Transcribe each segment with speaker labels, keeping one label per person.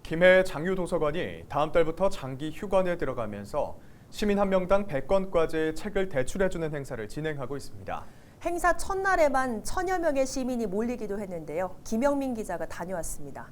Speaker 1: 김해 장유도서관이 다음 달부터 장기 휴관에 들어가면서 시민 한 명당 100권까지의 책을 대출해주는 행사를 진행하고 있습니다.
Speaker 2: 행사 첫날에만 1000여 명의 시민이 몰리기도 했는데요. 김영민 기자가 다녀왔습니다.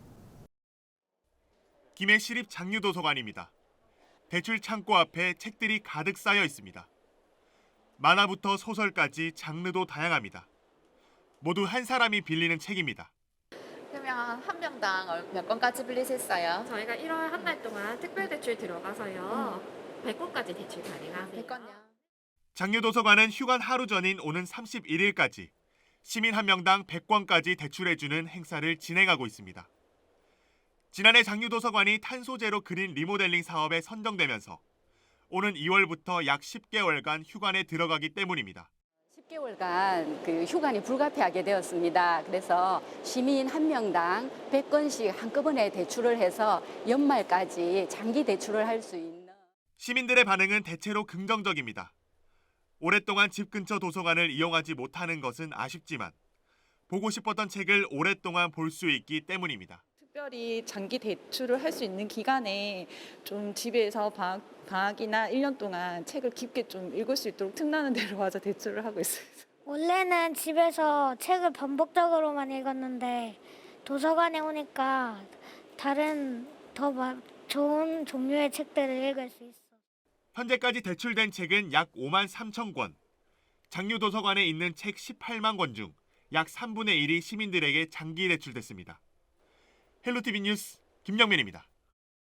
Speaker 3: 김해 시립 장유도서관입니다. 대출 창고 앞에 책들이 가득 쌓여 있습니다. 만화부터 소설까지 장르도 다양합니다. 모두 한 사람이 빌리는 책입니다.
Speaker 4: 그러면 한 명당 몇 권까지 빌릴 수 있어요?
Speaker 5: 저희가 1월 한 달 동안 특별 대출 들어가서요. 100권까지 대출 가능하세요.
Speaker 4: 100권요.
Speaker 3: 장유도서관은 휴관 하루 전인 오는 31일까지 시민 한 명당 100권까지 대출해주는 행사를 진행하고 있습니다. 지난해 장유도서관이 탄소제로 그린 리모델링 사업에 선정되면서 오는 2월부터 약 10개월간 휴관에 들어가기 때문입니다.
Speaker 6: 10개월간 휴관이 불가피하게 되었습니다. 그래서 시민 한 명당 100건씩 한꺼번에 대출을 해서 연말까지 장기 대출을 할 수 있는.
Speaker 3: 시민들의 반응은 대체로 긍정적입니다. 오랫동안 집 근처 도서관을 이용하지 못하는 것은 아쉽지만 보고 싶었던 책을 오랫동안 볼 수 있기 때문입니다.
Speaker 7: 특별히 장기 대출을 할 수 있는 기간에 좀 집에서 방학이나 1년 동안 책을 깊게 좀 읽을 수 있도록 틈나는 대로 와서 대출을 하고 있어요.
Speaker 8: 원래는 집에서 책을 반복적으로만 읽었는데 도서관에 오니까 다른 더 좋은 종류의 책들을 읽을 수 있어.
Speaker 3: 현재까지 대출된 책은 약 5만 3천 권. 장유도서관에 있는 책 18만 권 중 약 3분의 1이 시민들에게 장기 대출됐습니다. 헬로티비 뉴스 김영민입니다.